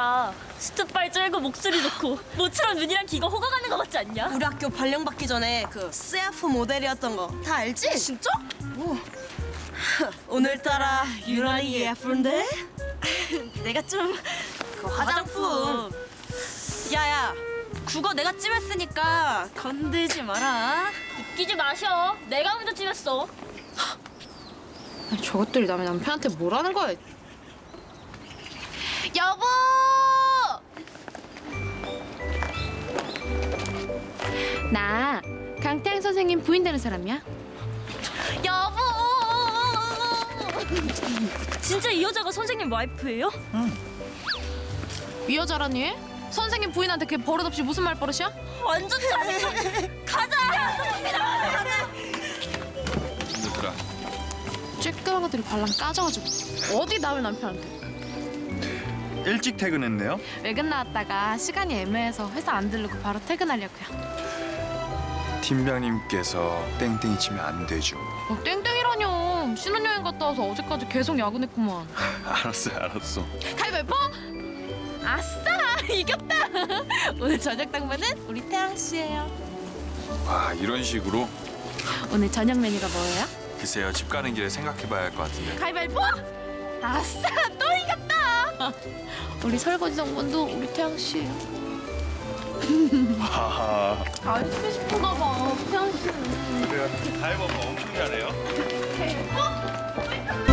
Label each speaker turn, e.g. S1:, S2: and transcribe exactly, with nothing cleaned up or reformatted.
S1: 소리야. 스트빨 쩔고 목소리 좋고 모처럼 눈이랑 귀가 호강하는 거 같지 않냐?
S2: 우리 학교 발령받기 전에 그 씨에프 모델이었던 거 다 알지?
S1: 진짜?
S2: 오. 오늘따라 유난히 예쁜데? 내가 좀 그 화장품. 야야, 국어 내가 찜했으니까 건들지 마라.
S1: 웃기지 마셔. 내가 먼저 찜했어.
S3: 아니, 저것들이 남의 남편한테 뭐라는 거야? 여보! 나 강태양 선생님 부인 되는 사람이야.
S1: 여보! 진짜 이 여자가 선생님 와이프예요?
S3: 이 여자라니? 선생님 부인한테 걔 버릇없이 무슨 말버릇이야?
S1: 완전 짜증나. 가자.
S4: 얘들아,
S3: 쬐끄만 것들이 발랑 까져가지고 어디 남의 남편한테.
S4: 일찍 퇴근했네요.
S3: 외근 나왔다가 시간이 애매해서 회사 안 들르고 바로 퇴근하려고요.
S4: 팀장님께서 땡땡이 치면 안 되죠.
S3: 어, 땡땡이라뇨. 신혼여행 갔다 와서 어제까지 계속 야근했구만.
S4: 알았어, 알았어.
S3: 가위바위보! 아싸! 이겼다! 오늘 저녁 당번은 우리 태양 씨예요.
S4: 와, 이런 식으로?
S3: 오늘 저녁 메뉴가 뭐예요?
S4: 글쎄요, 집 가는 길에 생각해봐야 할 것 같은데.
S3: 가위바위보! 아싸! 또 이겼다! 우리 설거지 당번도 우리 태양 씨예요.
S4: 하하.
S3: 안 쓰고 싶은가 봐, 태양 씨는.
S4: 그래요. 가위바위보 엄청 잘해요.
S3: 대박!